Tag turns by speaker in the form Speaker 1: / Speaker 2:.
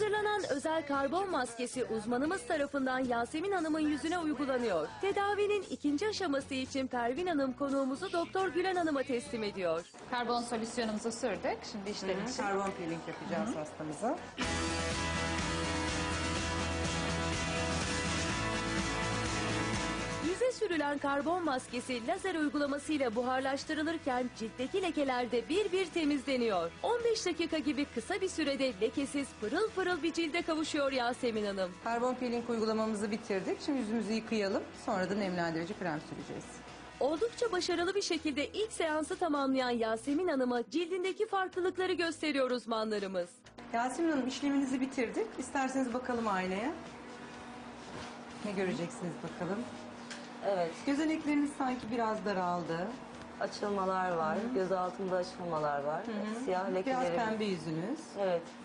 Speaker 1: Hazırlanan özel karbon maskesi uzmanımız tarafından Yasemin Hanım'ın yüzüne uygulanıyor. Tedavinin ikinci aşaması için Pervin Hanım konuğumuzu Doktor Gülen Hanım'a teslim ediyor.
Speaker 2: Karbon solüsyonumuzu sürdük. Şimdi işlem için.
Speaker 3: Karbon peeling yapacağız hastamıza.
Speaker 1: Yüze sürülen karbon maskesi lazer uygulamasıyla buharlaştırılırken ciltteki lekeler de bir bir temizleniyor. 15 dakika gibi kısa bir sürede lekesiz pırıl pırıl bir cilde kavuşuyor Yasemin Hanım.
Speaker 3: Karbon peeling uygulamamızı bitirdik. Şimdi yüzümüzü yıkayalım. Sonra da nemlendirici krem süreceğiz.
Speaker 1: Oldukça başarılı bir şekilde ilk seansı tamamlayan Yasemin Hanım'a cildindeki farklılıkları gösteriyor uzmanlarımız.
Speaker 3: Yasemin Hanım, işleminizi bitirdik. İsterseniz bakalım aynaya. Ne göreceksiniz bakalım.
Speaker 4: Evet,
Speaker 3: Gözenekleriniz sanki biraz daraldı.
Speaker 4: açılmalar var, göz altında açılmalar var, siyah
Speaker 3: Biraz
Speaker 4: lekelerim.
Speaker 3: pembe yüzünüz.
Speaker 4: Evet,